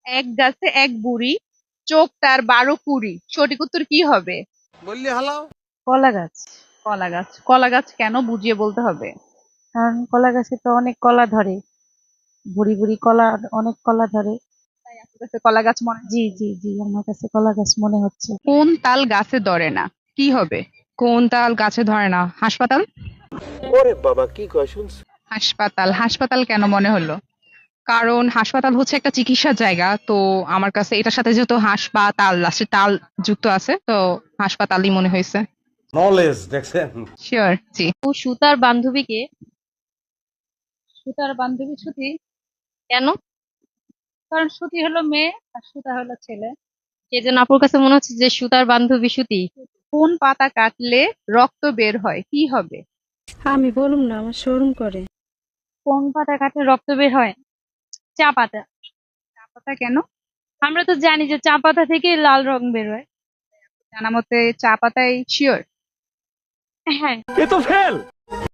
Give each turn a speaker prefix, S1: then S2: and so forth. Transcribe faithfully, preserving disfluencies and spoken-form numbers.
S1: এক গাছে এক বুড়ি, চোখ তার বারো কুড়ি, সঠিক উত্তর কি হবে?
S2: বললি হালাও।
S3: কলা গাছ।
S1: কলা গাছ। কলা গাছ কেন, বুঝিয়ে বলতে হবে।
S3: কারণ কলা গাছে তো অনেক কলা ধরে, বুড়ি বুড়ি কলা, অনেক কলা ধরে।
S1: তাই আপনার কাছে কলা গাছ মনে হয়।
S3: জি জি জি, আমার কাছে কলা গাছ মনে হচ্ছে।
S1: কোন তাল গাছে ধরে না, কি হবে?
S4: কোন তাল গাছে ধরে না? হাসপাতাল।
S2: ওরে বাবা কি কয় শুনছ?
S1: হাসপাতাল। হাসপাতাল কেন মনে হলো?
S4: কারণ হাসপাতাল হচ্ছে একটা চিকিৎসার জায়গা, তো আমার কাছে এটার সাথে যেহেতু হাসপাতাল লাস্টে তাল যুক্ত আছে, তো হাসপাতালই মনে হয়েছে।
S2: নলেজ দেখছেন।
S1: শিওর, জি।
S5: ও সুতার বান্ধবীকে।
S1: সুতার বান্ধবী সুতি।
S5: কেন?
S1: কারণ সুতি হলো মেয়ে আর সুতা হলো ছেলে।
S5: কে যেন আপুর কাছে মনে হচ্ছে যে সুতার বান্ধবী সুতি।
S1: কোন পাতা কাটলে রক্ত বের হয়, কি হবে?
S3: আমি বলুম না, আমার শোরুম করে।
S5: কোন পাতা কাটলে রক্ত বের হয়? চা পাতা।
S1: চা পাতা কেন?
S5: আমরা তো জানি যে চা পাতা থেকে লাল রং বের হয়।
S1: জানা মতে চা পাতায়। শিওর?
S5: হ্যাঁ।
S2: এ তো ফেল।